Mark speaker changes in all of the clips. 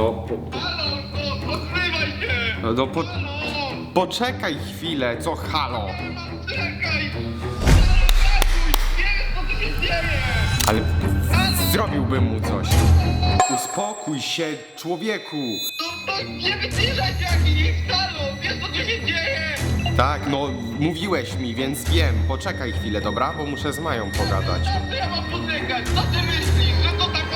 Speaker 1: No,
Speaker 2: Halo, no, odzywaj się!
Speaker 1: no
Speaker 2: Halo!
Speaker 1: poczekaj chwilę, co halo?
Speaker 2: Czekaj! Halo, nie wiem, co tu się dzieje!
Speaker 1: Ale zrobiłbym mu coś. Uspokój się, człowieku.
Speaker 2: To nie wyciszaj się, jaki jest halo! Wiesz, co tu się dzieje?
Speaker 1: Tak, no mówiłeś mi, więc wiem. Poczekaj chwilę, dobra? Bo muszę z Mają pogadać.
Speaker 2: Na co ja mam poczekać? Co ty myślisz, że to tak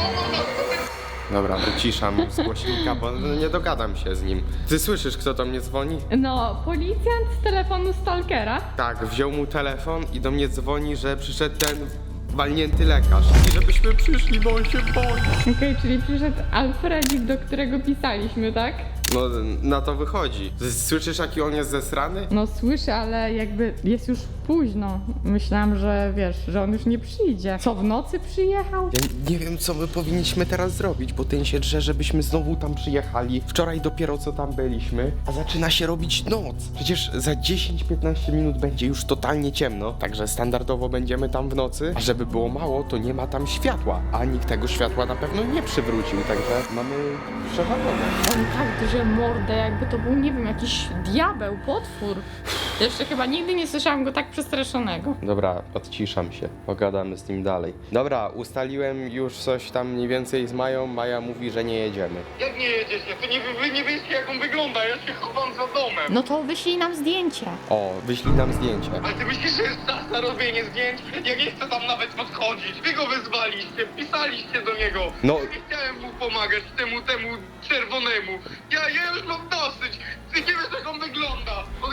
Speaker 1: Dobra, wyciszam z głośnika, bo nie dogadam się z nim. Ty słyszysz, kto do mnie dzwoni?
Speaker 3: No, policjant z telefonu stalkera.
Speaker 1: Tak, wziął mu telefon i do mnie dzwoni, że przyszedł ten walnięty lekarz. I żebyśmy przyszli, bo on się boi.
Speaker 3: Okej, czyli przyszedł Alfredzik, do którego pisaliśmy, tak?
Speaker 1: No, na to wychodzi. Słyszysz, jaki on jest zesrany?
Speaker 3: No słyszę, ale jakby jest już późno. Myślałam, że wiesz, że on już nie przyjdzie. Co, w nocy przyjechał?
Speaker 1: Ja nie wiem, co my powinniśmy teraz zrobić, bo ten się drze, żebyśmy znowu tam przyjechali. Wczoraj dopiero co tam byliśmy, a zaczyna się robić noc. Przecież za 10-15 minut będzie już totalnie ciemno, także standardowo będziemy tam w nocy. A żeby było mało, to nie ma tam światła, a nikt tego światła na pewno nie przywrócił, także mamy przewalone.
Speaker 3: On tak drze mordę, jakby to był, nie wiem, jakiś diabeł, potwór. Jeszcze chyba nigdy nie słyszałam go tak przestraszonego.
Speaker 1: Dobra, odciszam się, pogadamy z nim dalej. Dobra, ustaliłem już coś tam mniej więcej z Mają. Maja mówi, że nie jedziemy.
Speaker 2: Jak nie jedziecie? To wy nie wiecie, jak on wygląda, ja się chowam za domem.
Speaker 3: No to wyślij nam zdjęcie.
Speaker 1: O, wyślij nam zdjęcie.
Speaker 2: Ale ty myślisz, że jest czas na robienie zdjęć? Ja nie chcę tam nawet podchodzić. Wy go wyzwaliście, pisaliście do niego.
Speaker 1: No.
Speaker 2: Ja nie chciałem mu pomagać, temu czerwonemu. Ja już mam dosyć. Ty nie wiesz, jak on wygląda.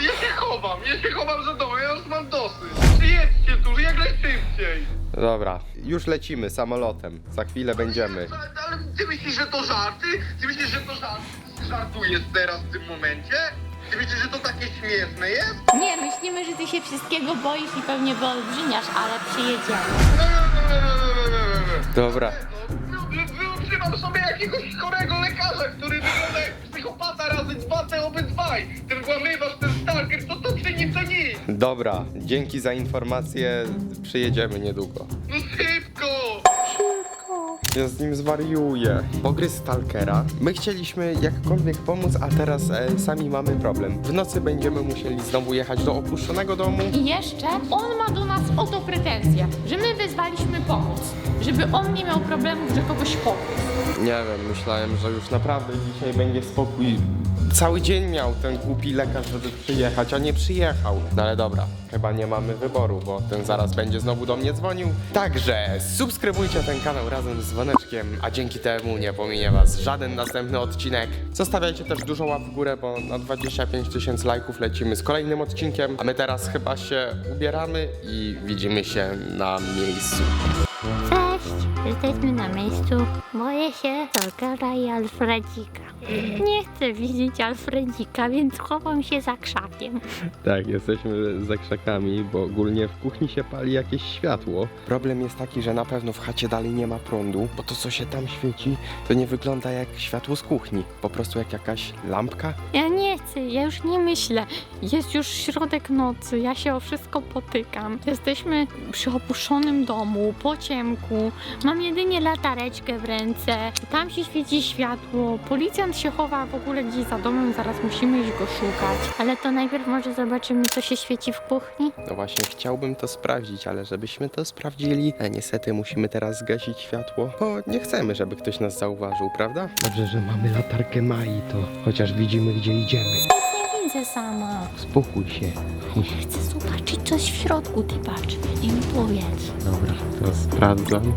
Speaker 2: Ja się chowam za domem, ja już mam dosyć. Przyjedźcie tu, jak najszybciej.
Speaker 1: Dobra, już lecimy samolotem. Za chwilę będziemy.
Speaker 2: Ale ty myślisz, że to żarty? Ty myślisz, że to żartujesz teraz w tym momencie? Ty myślisz, że to takie śmieszne jest?
Speaker 4: Nie, myślimy, że ty się wszystkiego boisz i pewnie wyolbrzymiasz, ale przyjedziemy.
Speaker 1: Dobra.
Speaker 2: Wyużywam sobie jakiegoś chorego lekarza, który wygląda jak psychopata razy dwa, te obydwaj. Ten włamywacz, ten stalker, to przy nim to nic.
Speaker 1: Dobra, dzięki za informację. Przyjedziemy niedługo.
Speaker 2: No szybko!
Speaker 1: Ja z nim zwariuję. Pogryz stalkera. My chcieliśmy jakkolwiek pomóc, a teraz sami mamy problem. W nocy będziemy musieli znowu jechać do opuszczonego domu.
Speaker 3: I jeszcze on ma do nas o to pretensje, że my wezwaliśmy pomoc, żeby on nie miał problemów, że kogoś pokrył.
Speaker 1: Nie wiem, myślałem, że już naprawdę dzisiaj będzie spokój. Cały dzień miał ten głupi lekarz, żeby przyjechać, a nie przyjechał. No ale dobra, chyba nie mamy wyboru, bo ten zaraz będzie znowu do mnie dzwonił. Także subskrybujcie ten kanał razem z dzwoneczkiem, a dzięki temu nie pominie was żaden następny odcinek. Zostawiajcie też dużo łap w górę, bo na 25 000 lajków lecimy z kolejnym odcinkiem. A my teraz chyba się ubieramy i widzimy się na miejscu.
Speaker 4: Cześć, jesteśmy na miejscu. Boję się Stalkera i Alfredzika. Nie chcę widzieć Alfredzika, więc chowam się za krzakiem.
Speaker 1: Tak, jesteśmy za krzakami, bo ogólnie w kuchni się pali jakieś światło. Problem jest taki, że na pewno w chacie dalej nie ma prądu, bo to co się tam świeci, to nie wygląda jak światło z kuchni. Po prostu jak jakaś lampka.
Speaker 3: Ja nie chcę, ja już nie myślę. Jest już środek nocy, ja się o wszystko potykam. Jesteśmy przy opuszczonym domu, po ciemku. Mam jedynie latareczkę w ręce. Tam się świeci światło. Policjant się chowa w ogóle gdzieś za domem, zaraz musimy iść go szukać.
Speaker 4: Ale to najpierw może zobaczymy, co się świeci w kuchni.
Speaker 1: No właśnie chciałbym to sprawdzić, ale żebyśmy to sprawdzili, niestety musimy teraz zgasić światło, bo nie chcemy, żeby ktoś nas zauważył, prawda? Dobrze, że mamy latarkę Mai, to chociaż widzimy, gdzie idziemy.
Speaker 4: Nie widzę sama.
Speaker 1: Spokój się.
Speaker 4: Chcę zobaczyć coś w środku, ty patrz. I mi powiedz.
Speaker 1: Dobra, to sprawdzam.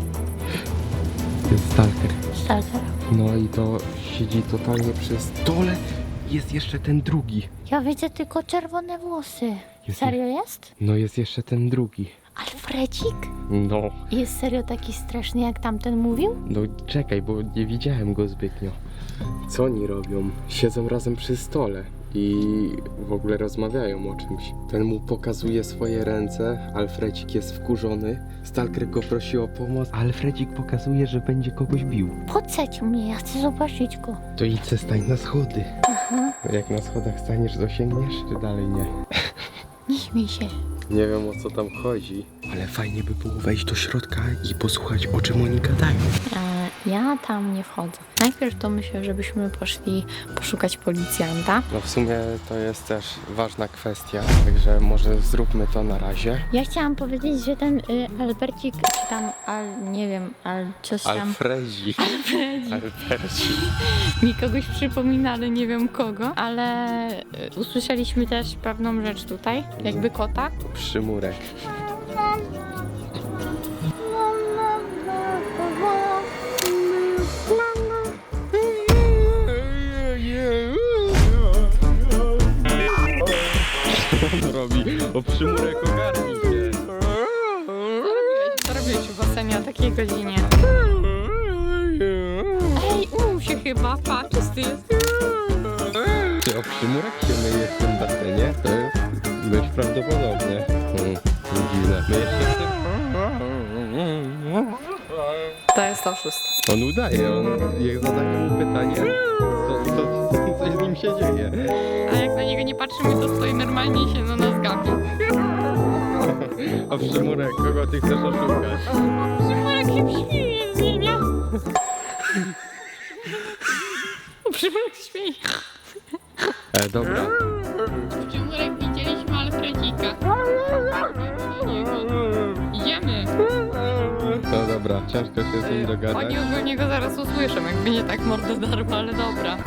Speaker 1: To jest stalker.
Speaker 4: Stalker.
Speaker 1: No i to siedzi totalnie przy stole. Jest jeszcze ten drugi.
Speaker 4: Ja widzę tylko czerwone włosy.
Speaker 1: Jest-
Speaker 4: Serio jest?
Speaker 1: No jest jeszcze ten drugi.
Speaker 4: Alfredzik?
Speaker 1: No,
Speaker 4: Jest serio taki straszny, jak tamten mówił?
Speaker 1: no czekaj, bo nie widziałem go zbytnio. Co oni robią? Siedzą razem przy stole i w ogóle rozmawiają o czymś. Ten mu pokazuje swoje ręce, Alfredzik jest wkurzony, stalker go prosi o pomoc, a Alfredzik pokazuje, że będzie kogoś bił.
Speaker 4: Podsadź mnie, ja chcę zobaczyć go.
Speaker 1: To idź se stań na schody. Jak na schodach staniesz, dosięgniesz, czy dalej nie?
Speaker 4: Nie śmiej się.
Speaker 1: Nie wiem, o co tam chodzi, ale fajnie by było wejść do środka i posłuchać, o czym oni gadają.
Speaker 3: Ja tam nie wchodzę. Najpierw to myślę, żebyśmy poszli poszukać policjanta.
Speaker 1: No w sumie to jest też ważna kwestia, także może zróbmy to na razie.
Speaker 3: Ja chciałam powiedzieć, że ten Albercik, czy tam, nie wiem, coś tam...
Speaker 1: Alfredzi. Alberci.
Speaker 3: Mi kogoś przypomina, ale nie wiem kogo, ale usłyszeliśmy też pewną rzecz tutaj, jakby kota.
Speaker 1: Przymurek. Co on robi? O przymurek ogarnij się.
Speaker 3: Co robiłeś w basenie o takiej godzinie? Ej, umył się chyba, pa, czysty jest.
Speaker 1: Czy o przymurek się myje w tym basenie? To jest dość prawdopodobne. Dziwne. Myjesz się w tym?
Speaker 3: To jest oszust.
Speaker 1: On udaje, jak zadaje mu pytanie, to coś z nim się dzieje.
Speaker 3: A jak na niego nie patrzymy, to stoi normalnie i się na nas gapi.
Speaker 1: O przymurek, kogo ty chcesz oszukać?
Speaker 3: Przymurek się śmieje z niej, nie? Przymurek śmieje.
Speaker 1: Dobra.
Speaker 3: Przymurek widzieliśmy Alfredzika. Idziemy.
Speaker 1: No dobra, ciężko się z nim dogadać.
Speaker 3: Oni ogólnie go zaraz usłyszą, jakby nie tak mordę darmo, ale dobra.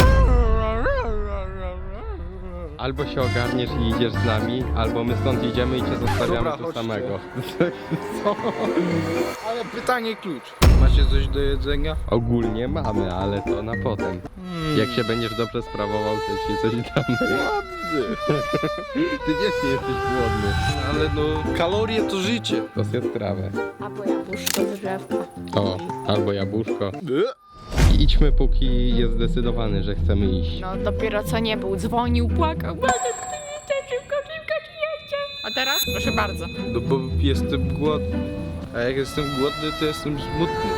Speaker 1: Albo się ogarniesz i idziesz z nami, albo my stąd idziemy i cię zostawiamy
Speaker 5: Dobra,
Speaker 1: tu
Speaker 5: chodźcie.
Speaker 1: samego. Co?
Speaker 5: Ale pytanie klucz. Macie coś do jedzenia?
Speaker 1: Ogólnie mamy, ale to na potem. Jak się będziesz dobrze sprawował, to ci coś damy.
Speaker 5: Głodny.
Speaker 1: Ty wiesz, nie jesteś głodny.
Speaker 5: Ale no, kalorie to życie.
Speaker 1: To zjedz trawę.
Speaker 3: Albo jabłuszko z drzewka.
Speaker 1: O, albo jabłuszko. I idźmy, póki jest zdecydowany, że chcemy iść.
Speaker 3: No dopiero co nie był, dzwonił, płakał. Bardzo tu jestem, szybko, przyjedźcie. A teraz? Proszę bardzo.
Speaker 5: No bo jestem głodny. A jak jestem głodny, to jestem smutny.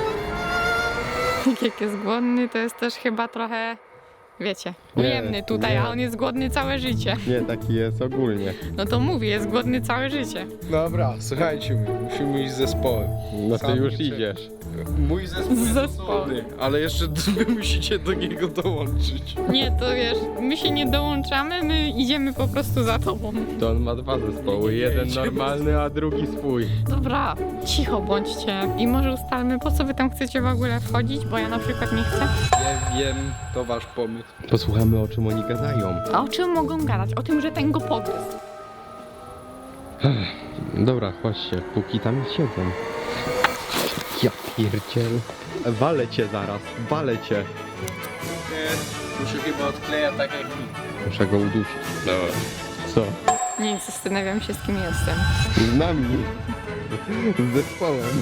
Speaker 3: Jak jest głodny, to jest też chyba trochę, wiecie,
Speaker 1: Nie,
Speaker 3: ujemny tutaj,
Speaker 1: nie.
Speaker 3: a on jest głodny całe życie.
Speaker 1: Nie, taki jest ogólnie.
Speaker 3: No to mówię, jest głodny całe życie.
Speaker 5: Dobra, słuchajcie mnie, musimy iść z zespołem.
Speaker 1: No ty
Speaker 5: Sam
Speaker 1: już
Speaker 5: nie
Speaker 1: idziesz.
Speaker 5: Mój zespół
Speaker 3: Z
Speaker 5: jest
Speaker 3: zespołem.
Speaker 5: osobny, ale jeszcze wy musicie do niego dołączyć.
Speaker 3: Nie, to wiesz, my się nie dołączamy, my idziemy po prostu za tobą.
Speaker 1: To on ma dwa zespoły, jeden normalny, a drugi swój.
Speaker 3: Dobra, cicho bądźcie i może ustalmy, po co wy tam chcecie w ogóle wchodzić, bo ja na przykład nie chcę.
Speaker 5: Ja wiem, to wasz pomysł.
Speaker 1: Posłuchamy, o czym oni gadają.
Speaker 3: A o czym mogą gadać? O tym, że ten go pogryzł.
Speaker 1: Dobra, chodźcie, póki tam siedzą. Ja pierdziel. Walę cię zaraz, walę cię.
Speaker 5: Nie, tu się chyba odkleja tak jak mi.
Speaker 1: Muszę go udusić. Dobra. Co?
Speaker 3: Nie, zastanawiam się, z kim jestem.
Speaker 1: Z nami. Z zespołem.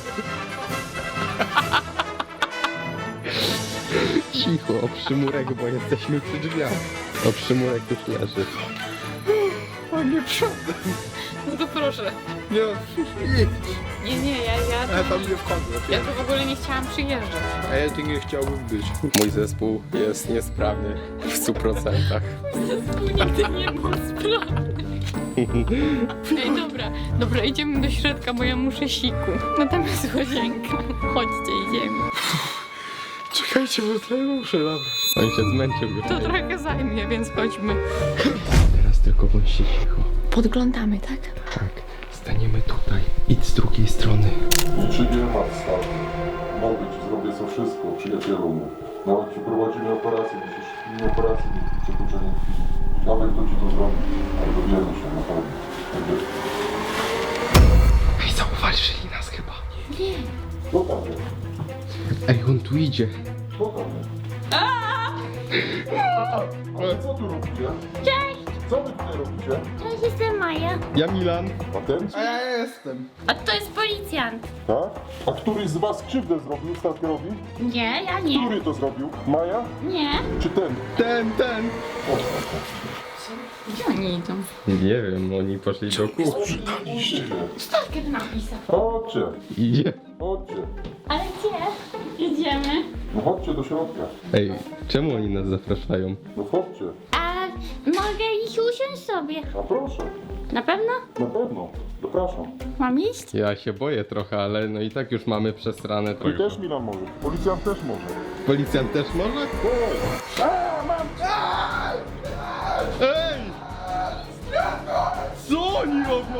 Speaker 1: Cicho, o przymurek, bo jesteśmy przy drzwiach. O przymurek już leży.
Speaker 5: O nie, przodem.
Speaker 3: No to proszę.
Speaker 5: Nie, idź.
Speaker 3: Nie,
Speaker 5: Ja tam nie wchodzę.
Speaker 3: ja tu w ogóle nie chciałam przyjeżdżać.
Speaker 5: A ja tu nie chciałbym być.
Speaker 1: Mój zespół jest niesprawny w 100%.
Speaker 3: Zespół nigdy nie był sprawny. Ej, dobra, idziemy do środka, bo ja muszę siku. No tam jest łazienka. Chodźcie, idziemy.
Speaker 5: Czekajcie, bo tutaj muszę nabrać.
Speaker 1: On się zmęczył już.
Speaker 3: To trochę zajmie, więc chodźmy.
Speaker 1: Teraz tylko bądźcie cicho.
Speaker 3: Podglądamy, tak?
Speaker 1: Tak, staniemy tutaj. Idź z drugiej strony.
Speaker 6: Niczym nie ma wstaw. Mogę ci zrobię co wszystko, przyjacielu mój. Nawet ci prowadzimy operację, musisz nie operację, nie przekroczenie krwi. Nawet kto ci to zrobi, ale dowiemy się na pewno. Będzie.
Speaker 1: Ej, zauważyli nas chyba.
Speaker 6: Co tam jest?
Speaker 1: Ej, on tu idzie.
Speaker 6: Co tam jest? Ale co tu robicie?
Speaker 4: Cześć!
Speaker 6: Co wy tutaj robicie?
Speaker 4: Cześć, jestem Maja.
Speaker 1: Ja Milan.
Speaker 6: Patenci?
Speaker 5: A ja jestem.
Speaker 4: A to jest policjant.
Speaker 6: Tak? A któryś z was krzywdę zrobił stalkerowi?
Speaker 4: Nie, ja nie.
Speaker 6: Który to zrobił? Maja?
Speaker 4: Nie.
Speaker 6: Czy ten?
Speaker 1: Ten.
Speaker 3: Gdzie oni idą?
Speaker 1: Nie wiem, oni poszli do kuchni.
Speaker 6: Przydaliście się.
Speaker 3: Stalker napisał.
Speaker 6: Chodźcie,
Speaker 1: Idzie.
Speaker 6: chodźcie.
Speaker 4: Ale gdzie?
Speaker 3: Idziemy.
Speaker 6: No chodźcie do środka.
Speaker 1: Ej, czemu oni nas zapraszają?
Speaker 6: No chodźcie.
Speaker 4: A mogę iść usiąść sobie?
Speaker 6: A proszę.
Speaker 3: Na pewno?
Speaker 6: Na pewno. Zapraszam.
Speaker 3: Mam iść?
Speaker 1: Ja się boję trochę, ale no i tak już mamy przesrane
Speaker 6: Ty
Speaker 1: trochę.
Speaker 6: też, Milan, może. Policjant też może.
Speaker 1: Policjant też może? Ej! Co oni robią?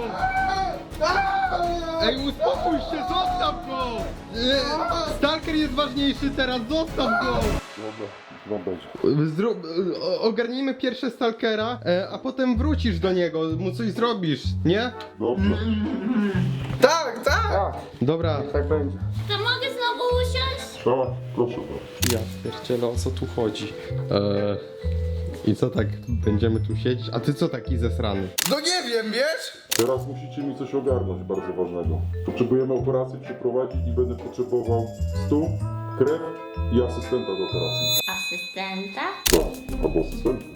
Speaker 1: Ej, uspokój się, zostaw go! Stalker jest ważniejszy teraz, zostaw go!
Speaker 6: Dobra, wam będzie.
Speaker 1: Ogarnijmy pierwsze Stalkera, a potem wrócisz do niego, mu coś zrobisz, nie?
Speaker 6: Dobrze.
Speaker 5: Tak, tak!
Speaker 1: Dobra.
Speaker 5: Tak będzie.
Speaker 4: To mogę znowu usiąść?
Speaker 6: Tak, proszę bardzo.
Speaker 1: Ja pierdzielę, o co tu chodzi? I co tak, będziemy tu siedzieć? A ty co taki zesrany?
Speaker 5: No nie wiem, wiesz?
Speaker 6: Teraz musicie mi coś ogarnąć bardzo ważnego. Potrzebujemy operację przeprowadzić i będę potrzebował stół, krew i asystenta do operacji.
Speaker 4: Asystenta?
Speaker 6: Tak, albo asystenta.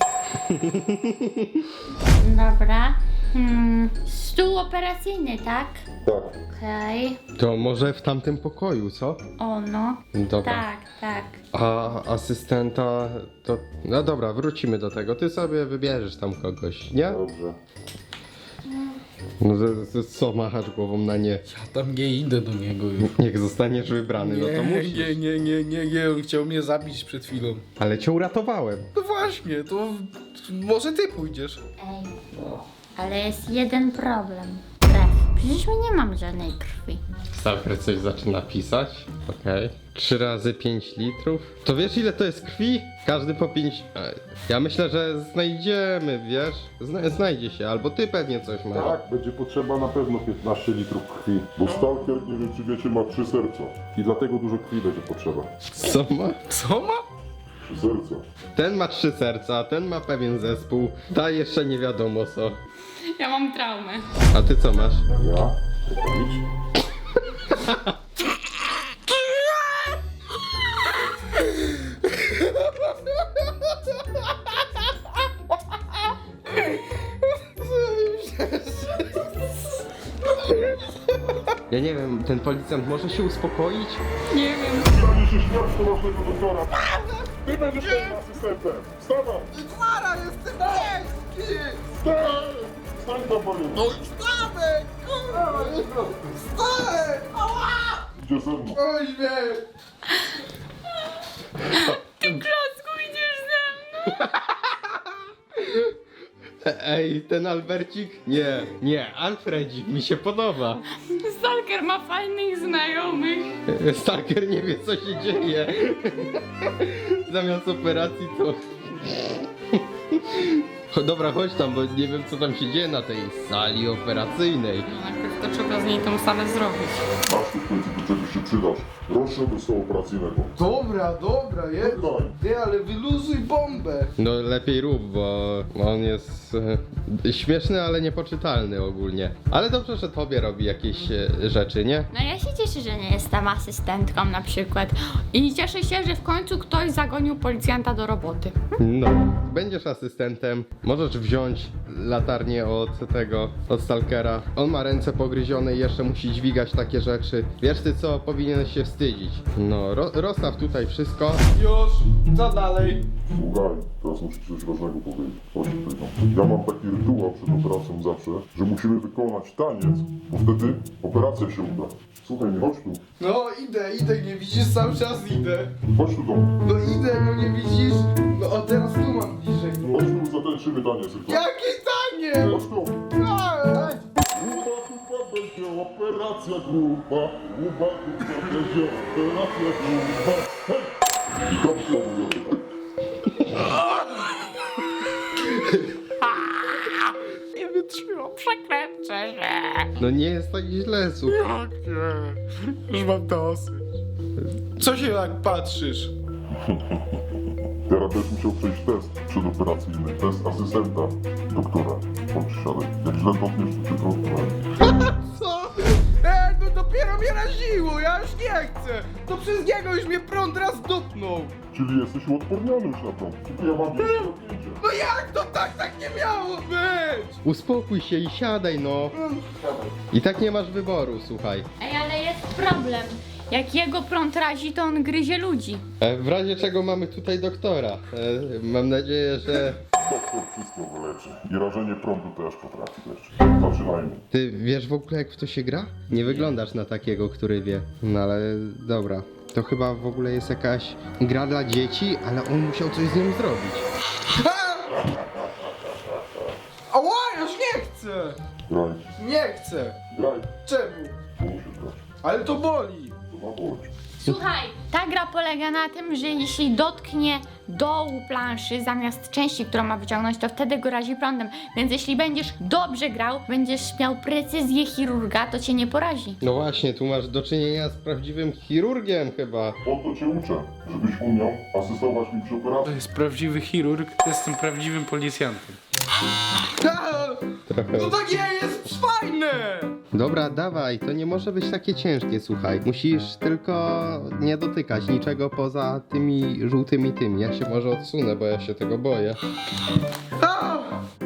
Speaker 4: Dobra. Stół operacyjny, tak?
Speaker 6: Tak.
Speaker 4: Okej.
Speaker 1: To może w tamtym pokoju, co?
Speaker 4: O no.
Speaker 1: Dobra.
Speaker 4: Tak, tak.
Speaker 1: A asystenta to... No dobra, wrócimy do tego. Ty sobie wybierzesz tam kogoś, nie?
Speaker 6: Dobrze.
Speaker 1: No co machasz głową na nie?
Speaker 5: Ja tam nie idę do niego już.
Speaker 1: Niech zostaniesz wybrany, no to musisz.
Speaker 5: Nie, on chciał mnie zabić przed chwilą.
Speaker 1: Ale cię uratowałem.
Speaker 5: No właśnie, to może ty pójdziesz.
Speaker 4: Ej. Ale jest jeden problem. Krew. Przecież my nie mamy żadnej krwi.
Speaker 1: Stalker coś zaczyna pisać. Okej. 3 razy 5 litrów. To wiesz ile to jest krwi? Każdy po 5... Ja myślę, że znajdziemy, wiesz? Znajdzie się, albo ty pewnie coś masz.
Speaker 6: Tak, będzie potrzeba na pewno 15 litrów krwi. Bo Stalker, nie wiem czy wiecie, ma 3 serca. I dlatego dużo krwi będzie potrzeba.
Speaker 1: Co ma?
Speaker 5: Co ma?
Speaker 6: 3 serca.
Speaker 1: Ten ma 3 serca, ten ma pewien zespół, ta jeszcze nie wiadomo co.
Speaker 3: Ja mam traumę.
Speaker 1: A ty co masz?
Speaker 6: Ja? Idź.
Speaker 1: Ja nie wiem, ten policjant może się uspokoić?
Speaker 3: Nie wiem.
Speaker 6: Stanie się świat do naszego doktora. Ty będziesz moim asystentem. Wstawaj!
Speaker 5: Mara, jestem ciężki!
Speaker 6: Wstań! Wstań tam, panie.
Speaker 5: No wstawaj, kurwa! Wstawaj! Ała!
Speaker 6: Idzie ze mną.
Speaker 5: Oj, mnie!
Speaker 3: Ty klocku idziesz ze mną.
Speaker 1: Ej, ten Albercik? Nie, Alfredzik mi się podoba.
Speaker 3: Stalker ma fajnych znajomych.
Speaker 1: Stalker nie wie co się dzieje. Zamiast operacji to... Dobra, chodź tam, bo nie wiem co tam się dzieje na tej sali operacyjnej.
Speaker 3: No najpierw to trzeba z niej tą salę zrobić.
Speaker 6: Masz tu w końcu do czegoś się przydasz. Proszę do stołu operacyjnego.
Speaker 5: Dobra, jedz.
Speaker 6: Czekaj.
Speaker 5: Ty, ale wyluzuj bombę.
Speaker 1: No lepiej rób, bo on jest śmieszny, ale niepoczytalny ogólnie. Ale dobrze, że tobie robi jakieś rzeczy, nie?
Speaker 3: No ja się cieszę, że nie jestem asystentką na przykład. I cieszę się, że w końcu ktoś zagonił policjanta do roboty.
Speaker 1: No, będziesz asystentem, możesz wziąć latarnię od Stalkera. On ma ręce pogryzione i jeszcze musi dźwigać takie rzeczy. Wiesz ty co, powinieneś się wstydzić. No, rozstaw tutaj wszystko.
Speaker 5: Już, co dalej?
Speaker 6: Słuchaj, teraz muszę ci coś ważnego powiedzieć. Chodź tutaj. No. Ja mam taki rytuał przed operacją zawsze, że musimy wykonać taniec, bo wtedy operacja się uda. Słuchaj, nie chodź tu.
Speaker 5: No idę, nie widzisz, cały czas idę.
Speaker 6: Chodź tu do mnie.
Speaker 5: No idę, no nie widzisz? No o teraz tu mam bliżej.
Speaker 6: Chodź tu, zatańczymy taniec. tylko.
Speaker 5: Jakie tanie!
Speaker 6: Chodź tu.
Speaker 5: Tak.
Speaker 6: Gruba będzie operacja gruba. Gruba będzie operacja gruba. Hej! I tam się mówię tak.
Speaker 3: Nie wytrzymam, przekręcę się.
Speaker 1: No nie jest tak źle, słuchaj.
Speaker 5: Już mam dosyć. Co się tak patrzysz?
Speaker 6: Teraz będziesz musiał przejść test przedoperacyjny. Test asystenta doktora. Chodź, siadaj. Jak źle dotkniesz, to cię trącę.
Speaker 5: Co? No dopiero mnie raziło, ja już nie chcę. To przez niego już mnie prąd raz dupnął.
Speaker 6: Czyli jesteś uodporniony już na to. Ja mam jeszcze napięcie.
Speaker 5: No jak to tak nie miało być?
Speaker 1: Uspokój się i siadaj, no. I tak nie masz wyboru, słuchaj.
Speaker 3: Ej, ale jest problem. Jak jego prąd razi, to on gryzie ludzi.
Speaker 1: W razie czego mamy tutaj doktora. Mam nadzieję, że...
Speaker 6: Doktor wszystko wyleczy. leczy. I rażenie prądu też potrafi leczyć. Zaczynajmy.
Speaker 1: Ty wiesz w ogóle jak w to się gra? Nie wyglądasz na takiego, który wie. No ale dobra. To chyba w ogóle jest jakaś gra dla dzieci, ale on musiał coś z nią zrobić.
Speaker 5: Ała, ja już nie chcę!
Speaker 6: Graj,
Speaker 5: Nie chcę!
Speaker 6: graj.
Speaker 5: Czemu?
Speaker 6: Tu musisz grać.
Speaker 5: Ale to boli!
Speaker 6: To ma boleć.
Speaker 3: Słuchaj, ta gra polega na tym, że jeśli dotknie dołu planszy zamiast części, którą ma wyciągnąć, to wtedy go razi prądem. Więc jeśli będziesz dobrze grał, będziesz miał precyzję chirurga, to cię nie porazi.
Speaker 1: No właśnie, tu masz do czynienia z prawdziwym chirurgiem chyba.
Speaker 6: Po to cię uczę, żebyś umiał asystować mi przy
Speaker 7: To
Speaker 6: operacji.
Speaker 7: jest prawdziwy chirurg, jestem prawdziwym policjantem.
Speaker 1: Trochę.
Speaker 5: To takie jest fajne!
Speaker 1: Dobra, dawaj, to nie może być takie ciężkie, słuchaj. Musisz tylko nie dotykać niczego poza tymi żółtymi tymi. Ja się może odsunę, bo ja się tego boję.
Speaker 5: A!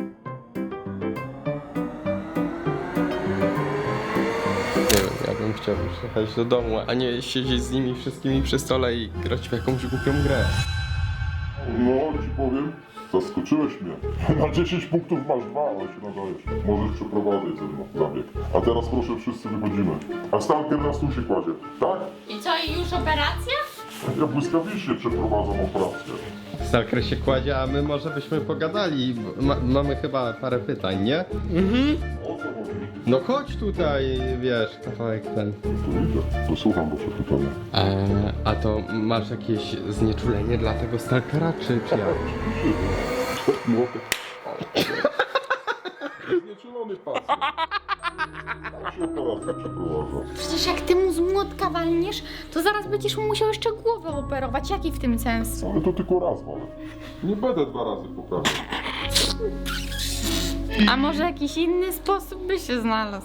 Speaker 1: Nie wiem, ja bym chciał już jechać do domu, a nie siedzieć z nimi wszystkimi przy stole i grać w jakąś głupią grę.
Speaker 6: No, ci powiem, zaskoczyłeś mnie. Na 10 punktów masz 2, ale się nadajesz. Możesz przeprowadzać ze mną zabieg. A teraz proszę, wszyscy wychodzimy. A Stalker na stół się kładzie, tak?
Speaker 3: I co, i już operacja?
Speaker 6: Ja błyskawicznie przeprowadzam operację.
Speaker 1: Stalker się kładzie, a my może byśmy pogadali. Mamy chyba parę pytań, nie?
Speaker 6: O co chodzi?
Speaker 1: No chodź tutaj, wiesz, kawałek ten.
Speaker 6: To idę, to słucham wasze pytania.
Speaker 1: A to masz jakieś znieczulenie dla tego Stalkera, czy jak?
Speaker 6: Młotek. Znieczulony pacjent. Tam się operacja przeprowadza.
Speaker 3: Przecież jak ty mu z młotka walniesz, to zaraz będziesz mu musiał jeszcze głowę operować. Jaki w tym sens?
Speaker 6: Ale to tylko raz, ale. Nie będę 2 razy poprawiał.
Speaker 3: A może jakiś inny sposób by się znalazł?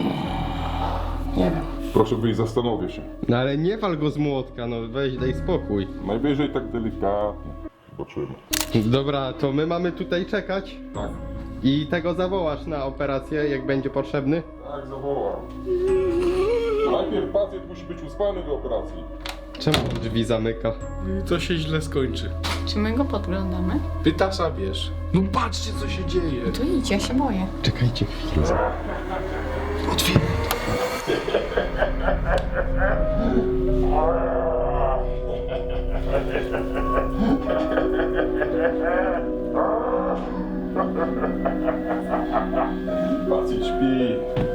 Speaker 6: Proszę wyjść, zastanowię się.
Speaker 1: No ale nie wal go z młotka, no weź, daj spokój.
Speaker 6: Najwyżej tak delikatnie. Zobaczymy.
Speaker 1: Dobra, to my mamy tutaj czekać
Speaker 6: Tak.
Speaker 1: i tego zawołasz na operację, jak będzie potrzebny.
Speaker 6: Tak, zawołam. Najpierw pacjent musi być uspany do operacji.
Speaker 1: Czemu on drzwi zamyka?
Speaker 7: To się źle skończy.
Speaker 3: Czy my go podglądamy?
Speaker 7: Pytasa bierz.
Speaker 5: No patrzcie co się dzieje!
Speaker 3: To idź, ja się boję.
Speaker 1: Czekajcie chwilę.
Speaker 6: Pacjent śpi.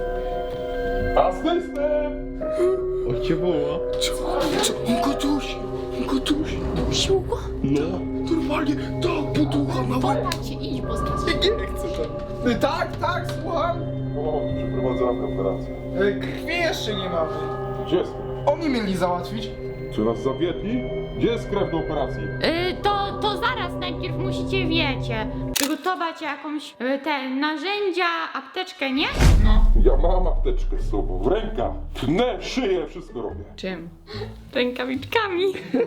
Speaker 6: Asystent!
Speaker 1: O cię woła.
Speaker 5: On go dusi! On go dusi!
Speaker 3: Dusił go?
Speaker 5: No! Normalnie tak poducha na łeb!
Speaker 3: Popatrzcie, idź, bo zgadza.
Speaker 5: Nie chcę tam! Tak, tak, słucham!
Speaker 6: O, przeprowadzamy operację.
Speaker 5: Krwi jeszcze nie mamy.
Speaker 6: Gdzie jest?
Speaker 5: Oni mieli załatwić.
Speaker 6: Czy nas zawiedli? Gdzie jest krew do operacji?
Speaker 3: To zaraz najpierw musicie, wiecie, przygotować jakąś te narzędzia, apteczkę, nie?
Speaker 6: Ja mam apteczkę z sobą, w rękach. Tnę, szyję, wszystko robię.
Speaker 3: Czym? Rękawiczkami.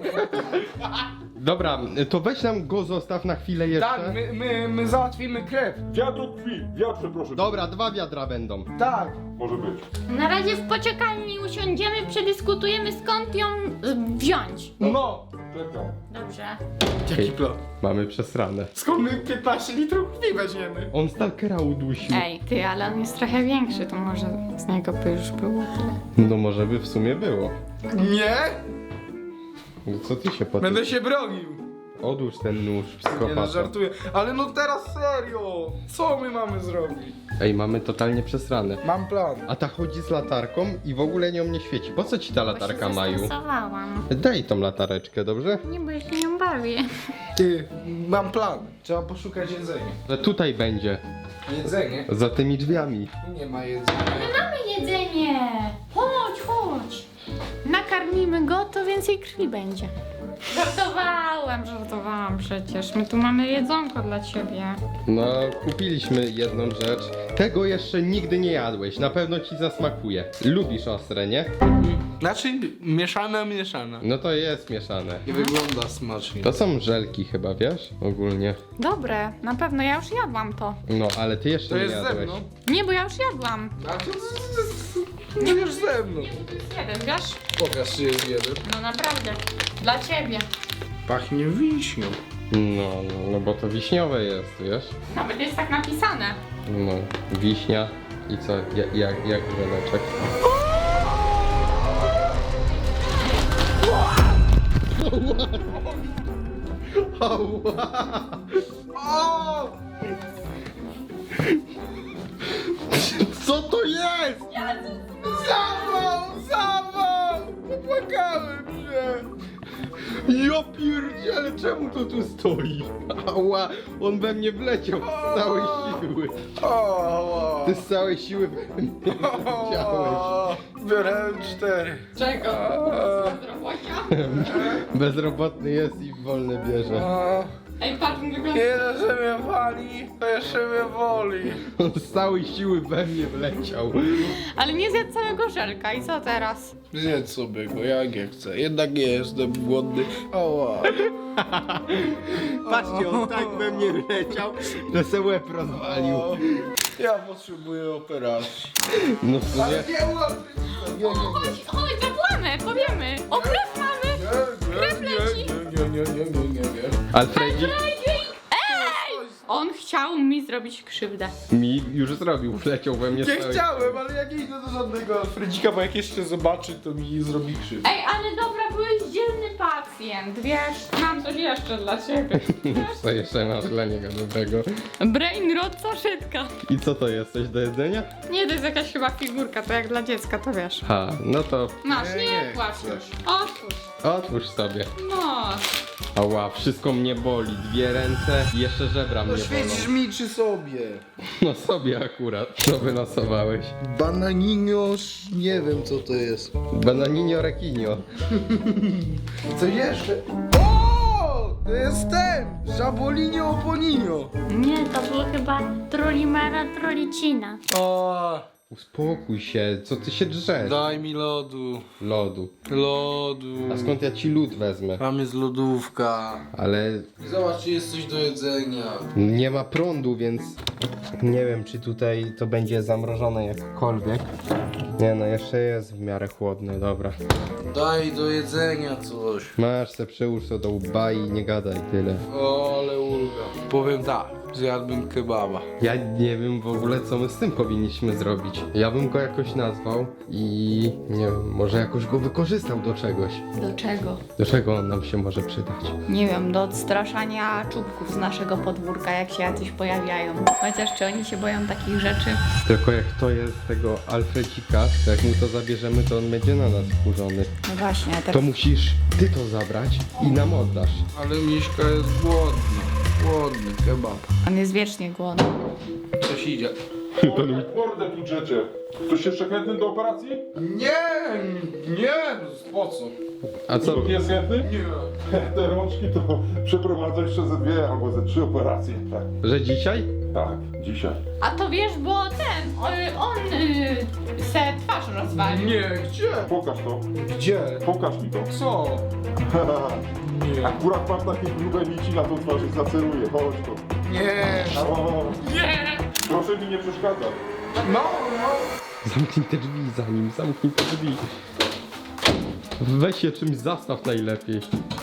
Speaker 1: Dobra, to weź nam go zostaw na chwilę jeszcze.
Speaker 5: Tak, my załatwimy krew.
Speaker 6: Wiatr krwi, wiatrze proszę.
Speaker 1: Dobra, 2 wiadra będą.
Speaker 5: Tak.
Speaker 6: Może być.
Speaker 3: Na razie w poczekalni usiądziemy, przedyskutujemy skąd ją wziąć.
Speaker 5: No.
Speaker 6: Czekam.
Speaker 3: Dobrze.
Speaker 5: Jaki plan?
Speaker 1: Mamy przesrane.
Speaker 5: Skąd my 15 litrów krwi weźmiemy?
Speaker 1: On Stalkera udusił.
Speaker 3: Ej, ty, ale on jest trochę większy, to może z niego by już było tyle.
Speaker 1: No może by w sumie było.
Speaker 5: Nie?
Speaker 1: No co ty się potem...
Speaker 5: Będę się bronił.
Speaker 1: Odłóż ten nóż,
Speaker 5: Nie no,
Speaker 1: psychopata.
Speaker 5: żartuję. Ale no teraz serio. Co my mamy zrobić?
Speaker 1: Ej, mamy totalnie przesrane.
Speaker 5: Mam plan.
Speaker 1: A ta chodzi z latarką i w ogóle nią nie świeci. Po co ci ta latarka, Maju?
Speaker 3: Zestresowałam.
Speaker 1: Daj tą latareczkę, dobrze?
Speaker 3: Nie, bo ja się nią bawię.
Speaker 5: Ty, mam plan. Trzeba poszukać jedzenia.
Speaker 1: Że tutaj będzie,
Speaker 5: Jedzenie?
Speaker 1: za tymi drzwiami.
Speaker 5: Tu nie ma jedzenia.
Speaker 3: Mamy jedzenie! Chodź, chodź! Nakarmimy go, to więcej krwi będzie. Żartowałam przecież. My tu mamy jedzonko dla ciebie.
Speaker 1: No, kupiliśmy jedną rzecz. Tego jeszcze nigdy nie jadłeś. Na pewno ci zasmakuje. Lubisz ostre, nie?
Speaker 5: Znaczy, mieszana.
Speaker 1: No to jest mieszane.
Speaker 5: Nie wygląda smacznie.
Speaker 1: To są żelki chyba, wiesz? Ogólnie.
Speaker 3: Dobre, na pewno, ja już jadłam to.
Speaker 1: No, ale ty jeszcze
Speaker 5: To
Speaker 1: nie
Speaker 5: jest ze
Speaker 1: jadłeś.
Speaker 5: mną.
Speaker 3: Nie, bo ja już jadłam.
Speaker 5: A to no już ze mną.
Speaker 3: To jest jeden, wiesz?
Speaker 5: Pokaż, czy jest jeden.
Speaker 3: No naprawdę, dla ciebie.
Speaker 5: Pachnie wiśnią.
Speaker 1: No bo to wiśniowe jest, wiesz?
Speaker 3: Nawet jest tak napisane.
Speaker 1: No, wiśnia i co, jak żeleczek? Co to jest?
Speaker 5: Zawał! Popłakałem się!
Speaker 1: Ja pierdziele, czemu to tu stoi? Ała, on we mnie wleciał z całej siły.
Speaker 5: O,
Speaker 1: Ty z całej siły we mnie wleciałeś.
Speaker 5: biorę 4.
Speaker 3: Czego? Bezrobocia?
Speaker 1: Bezrobotny jest i wolne bierze.
Speaker 3: Ej, patrz, on wygląda...
Speaker 5: Nie dość, że mnie wali, to jeszcze mnie woli.
Speaker 1: On z całej siły we mnie wleciał.
Speaker 3: Ale nie zjadł całego żelka i co teraz?
Speaker 5: Zjedz sobie go, jak nie chcę. Jednak nie jestem głodny. Ała.
Speaker 1: Patrzcie, on tak we mnie wleciał, że se łeb rozwalił.
Speaker 5: Ja potrzebuję operacji.
Speaker 1: No w sumie...
Speaker 5: Nie łapy!
Speaker 3: Chodź, zapłamy, powiemy. O, krew mamy! Krew leci!
Speaker 5: Nie.
Speaker 1: Alfredzik
Speaker 3: Ej! On chciał mi zrobić krzywdę.
Speaker 1: mi już zrobił, wleciał we mnie z
Speaker 5: Nie
Speaker 1: całej...
Speaker 5: chciałem, ale jak nie idę do żadnego Alfredzika, bo jak jeszcze zobaczy, to mi zrobi krzywdę.
Speaker 3: Ej, ale dobra, byłeś dzielny pacjent, wiesz? Mam coś jeszcze dla ciebie.
Speaker 1: Co jeszcze masz dla niego dobrego?
Speaker 3: Brain rot saszetka.
Speaker 1: I co to jest? Coś do jedzenia?
Speaker 3: Nie, to jest jakaś chyba figurka, to jak dla dziecka, to wiesz.
Speaker 1: Ha, no to
Speaker 3: Masz,
Speaker 5: Nie,
Speaker 3: nie
Speaker 5: nie
Speaker 3: płacz
Speaker 5: chcę.
Speaker 3: już. Otwórz.
Speaker 1: otwórz sobie.
Speaker 3: No.
Speaker 1: Ała, wszystko mnie boli. Dwie ręce i jeszcze żebra mnie
Speaker 5: No świecisz
Speaker 1: bolą.
Speaker 5: mi czy sobie?
Speaker 1: No sobie akurat. Co wylosowałeś?
Speaker 5: Bananinios, nie wiem co to jest.
Speaker 1: Bananinio rekinio.
Speaker 5: Co jeszcze? O! To jest ten! Żabolinio oponinio.
Speaker 4: Nie, to było chyba Trollimera Trollicina.
Speaker 5: O,
Speaker 1: Uspokój się, co ty się drzesz?
Speaker 5: daj mi lodu.
Speaker 1: Lodu.
Speaker 5: Lodu.
Speaker 1: A skąd ja ci lód wezmę?
Speaker 5: Tam jest lodówka.
Speaker 1: Ale
Speaker 5: Zobacz, czy jest coś do jedzenia.
Speaker 1: nie ma prądu, więc nie wiem, czy tutaj to będzie zamrożone jakkolwiek. Nie no, jeszcze jest w miarę chłodne, dobra.
Speaker 5: Daj do jedzenia coś.
Speaker 1: Masz se przyłóż to do łba i nie gadaj tyle.
Speaker 5: O, ale ulga. Powiem tak, zjadłbym kebaba.
Speaker 1: Ja nie wiem w ogóle, co my z tym powinniśmy zrobić. Ja bym go jakoś nazwał i nie wiem, może jakoś go wykorzystał do czegoś.
Speaker 3: Do czego?
Speaker 1: Do czego on nam się może przydać?
Speaker 3: Nie wiem, do odstraszania czubków z naszego podwórka, jak się jacyś pojawiają. Chociaż czy oni się boją takich rzeczy?
Speaker 1: Tylko jak to jest tego Alfredzika, to jak mu to zabierzemy, to on będzie na nas wkurzony.
Speaker 3: No właśnie,
Speaker 1: To
Speaker 3: teraz...
Speaker 1: musisz ty to zabrać i nam oddasz.
Speaker 5: Ale Miśka jest głodny. Głodny kebab.
Speaker 3: On jest wiecznie głodny.
Speaker 5: Coś idzie.
Speaker 6: Mordę tu drzecie. Ktoś jeszcze chętny do operacji?
Speaker 5: Nie, po co?
Speaker 1: A co?
Speaker 6: Jest chętny? Nie. Te rączki to przeprowadzę jeszcze ze 2 albo ze 3 operacje. Tak,
Speaker 1: Że dzisiaj?
Speaker 6: tak, dzisiaj.
Speaker 3: A to wiesz, bo on se twarz rozwalił.
Speaker 5: Nie, gdzie?
Speaker 6: Pokaż to.
Speaker 5: Gdzie?
Speaker 6: Pokaż mi to.
Speaker 5: Co? Nie.
Speaker 6: Akurat mam takie grube nici na tą twarz i zaceruję. Chodź to.
Speaker 5: Nie.
Speaker 6: O,
Speaker 3: Nie!
Speaker 6: proszę mi nie przeszkadzać.
Speaker 5: No.
Speaker 1: Zamknij te drzwi za nim, zamknij te drzwi. Weź się czymś zastaw najlepiej.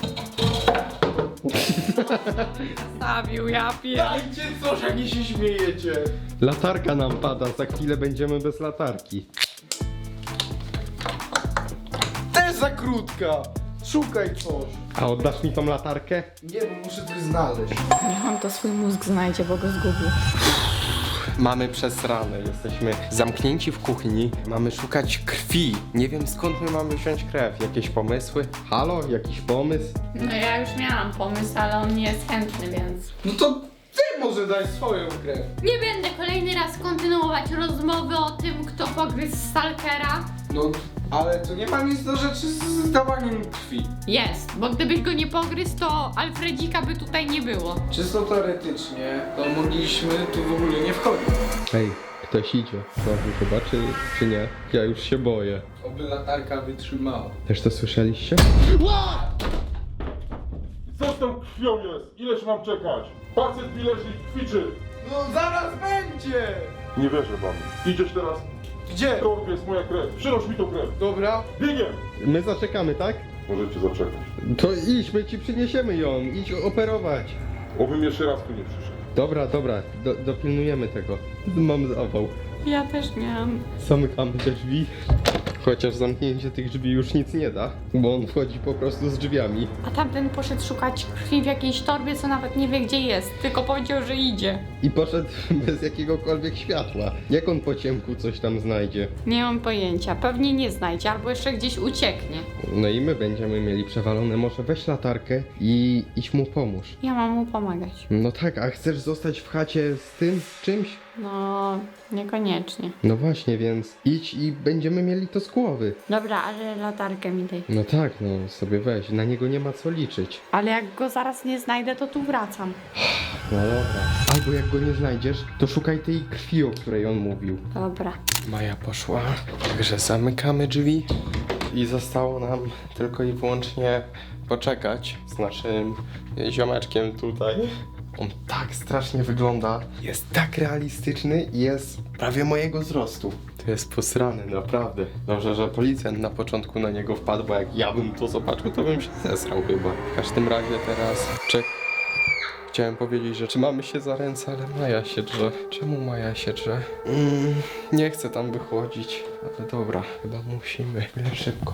Speaker 3: Stawił, ja pier...
Speaker 5: Dajcie coś, jak nie się śmiejecie.
Speaker 1: Latarka nam pada, za chwilę będziemy bez latarki.
Speaker 5: Też za krótka. Szukaj coś.
Speaker 1: A oddasz mi tą latarkę?
Speaker 5: Nie, bo muszę coś znaleźć.
Speaker 3: Niech on to swój mózg znajdzie, bo go zgubił.
Speaker 1: Mamy przesrane, jesteśmy zamknięci w kuchni, mamy szukać krwi. Nie wiem skąd my mamy wziąć krew. Jakieś pomysły? Halo? Jakiś pomysł?
Speaker 3: No ja już miałam pomysł, ale on nie jest chętny, więc...
Speaker 5: No to ty może daj swoją krew.
Speaker 3: Nie będę kolejny raz kontynuować rozmowy o tym, kto pogryzł Stalkera.
Speaker 5: No, ale to nie ma nic do rzeczy z dawaniem krwi.
Speaker 3: Jest, bo gdybyś go nie pogryzł, to Alfredzika by tutaj nie było.
Speaker 5: Czysto teoretycznie, to mogliśmy tu w ogóle nie wchodzić.
Speaker 1: Hej, ktoś idzie. Znowu chyba, czy nie? Ja już się boję.
Speaker 5: Oby latarka wytrzymała.
Speaker 1: Też to słyszeliście?
Speaker 6: Co z tą krwią jest? Ileż mam czekać? Pacjent mi leży i kwiczy.
Speaker 5: No zaraz będzie!
Speaker 6: Nie wierzę wam. Idziesz teraz?
Speaker 5: Gdzie?
Speaker 6: W torbie jest moja krew. Przynoś mi tą krew.
Speaker 5: Dobra.
Speaker 6: Biegiem!
Speaker 1: My zaczekamy, tak?
Speaker 6: możecie zaczekać.
Speaker 1: To idź, my ci przyniesiemy ją, idź operować.
Speaker 6: Obym jeszcze raz tu nie przyszedł.
Speaker 1: Dobra, dopilnujemy tego. Mam zawał.
Speaker 3: Ja też miałam.
Speaker 1: Zamykamy te drzwi. Chociaż zamknięcie tych drzwi już nic nie da, bo on wchodzi po prostu z drzwiami.
Speaker 3: A tamten poszedł szukać krwi w jakiejś torbie, co nawet nie wie gdzie jest, tylko powiedział, że idzie.
Speaker 1: I poszedł bez jakiegokolwiek światła. Jak on po ciemku coś tam znajdzie?
Speaker 3: Nie mam pojęcia, pewnie nie znajdzie, albo jeszcze gdzieś ucieknie.
Speaker 1: No i my będziemy mieli przewalone. Może weź latarkę i idź mu pomóż.
Speaker 3: Ja mam mu pomagać.
Speaker 1: No tak, a chcesz zostać w chacie z tym czymś?
Speaker 3: No, niekoniecznie.
Speaker 1: No właśnie, więc idź i będziemy mieli to z głowy.
Speaker 3: Dobra, ale latarkę mi daj.
Speaker 1: No tak, no sobie weź, na niego nie ma co liczyć.
Speaker 3: Ale jak go zaraz nie znajdę, to tu wracam.
Speaker 1: No dobra. Albo jak go nie znajdziesz, to szukaj tej krwi, o której on mówił.
Speaker 3: Dobra.
Speaker 1: Maja poszła, także zamykamy drzwi i zostało nam tylko i wyłącznie poczekać z naszym ziomeczkiem tutaj. On tak strasznie wygląda, jest tak realistyczny i jest prawie mojego wzrostu. To jest posrany, naprawdę. Dobrze, że policjant na początku na niego wpadł, bo jak ja bym to zobaczył, to bym się zesrał chyba. W każdym razie teraz Chciałem powiedzieć, że trzymamy się za ręce, ale Maja się drze. Czemu Maja się drze? Nie chcę tam wychodzić, ale dobra, chyba musimy. Szybko.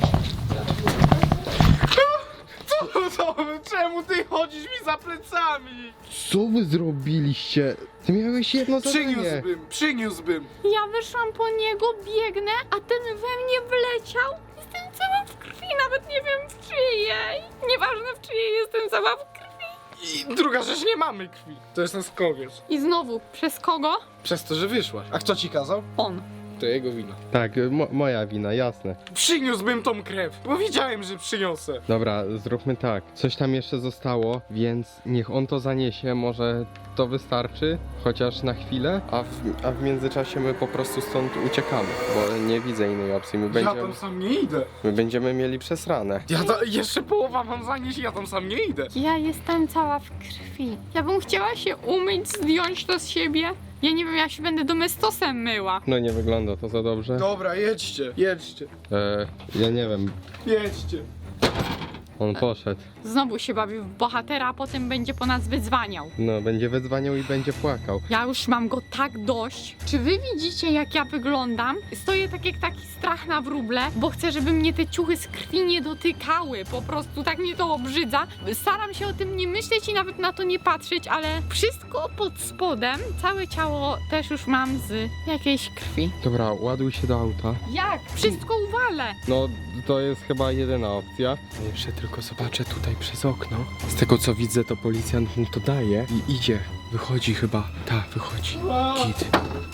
Speaker 5: Czemu ty chodzisz mi za plecami?
Speaker 1: Co wy zrobiliście? Ty miałeś jedno zadanie.
Speaker 5: Przyniósłbym.
Speaker 3: Ja wyszłam po niego, biegnę, a ten we mnie wleciał. Jestem cała w krwi, nawet nie wiem w czyjej. Nieważne w czyjej, jestem cała w krwi.
Speaker 5: I druga rzecz, nie mamy krwi. To jest nasz kowiec.
Speaker 3: I znowu, przez kogo?
Speaker 5: Przez to, że wyszłaś. A kto ci kazał?
Speaker 3: On.
Speaker 5: To jego wina.
Speaker 1: Tak, moja wina, jasne.
Speaker 5: Przyniósłbym tą krew, bo wiedziałem, że przyniosę.
Speaker 1: Dobra, zróbmy tak. Coś tam jeszcze zostało, więc niech on to zaniesie, może to wystarczy, chociaż na chwilę, a w międzyczasie my po prostu stąd uciekamy, bo nie widzę innej opcji.
Speaker 5: Ja tam sam nie idę.
Speaker 1: My będziemy mieli przesrane.
Speaker 5: Jeszcze połowa mam zanieść, ja tam sam nie idę.
Speaker 3: Ja jestem cała w krwi. Ja bym chciała się umyć, zdjąć to z siebie. Ja nie wiem, ja się będę domestosem myła.
Speaker 1: No nie wygląda to za dobrze.
Speaker 5: Dobra, jedźcie.
Speaker 1: Ja nie wiem,
Speaker 5: Jedźcie.
Speaker 1: on poszedł.
Speaker 3: Znowu się bawi w bohatera, a potem będzie po nas wydzwaniał.
Speaker 1: No, będzie wydzwaniał i będzie płakał.
Speaker 3: Ja już mam go tak dość. Czy wy widzicie, jak ja wyglądam? Stoję tak jak taki strach na wróble, bo chcę, żeby mnie te ciuchy z krwi nie dotykały. Po prostu tak mnie to obrzydza. Staram się o tym nie myśleć i nawet na to nie patrzeć, ale wszystko pod spodem, całe ciało też już mam z jakiejś krwi.
Speaker 1: Dobra, ładuj się do auta.
Speaker 3: Jak? Wszystko uwalę.
Speaker 1: No, to jest chyba jedyna opcja. Jeszcze tylko zobaczę tutaj przez okno. Z tego co widzę, to policjant mu to daje i idzie. Wychodzi chyba. Wychodzi. Kit.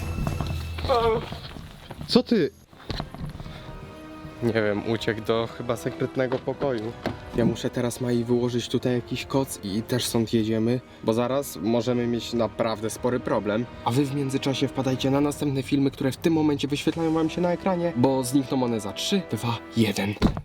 Speaker 1: Co ty? Nie wiem, uciekł do chyba sekretnego pokoju. Ja muszę teraz Mai wyłożyć tutaj jakiś koc i też stąd jedziemy, bo zaraz możemy mieć naprawdę spory problem. A wy w międzyczasie wpadajcie na następne filmy, które w tym momencie wyświetlają wam się na ekranie, bo znikną one za 3, 2, 1.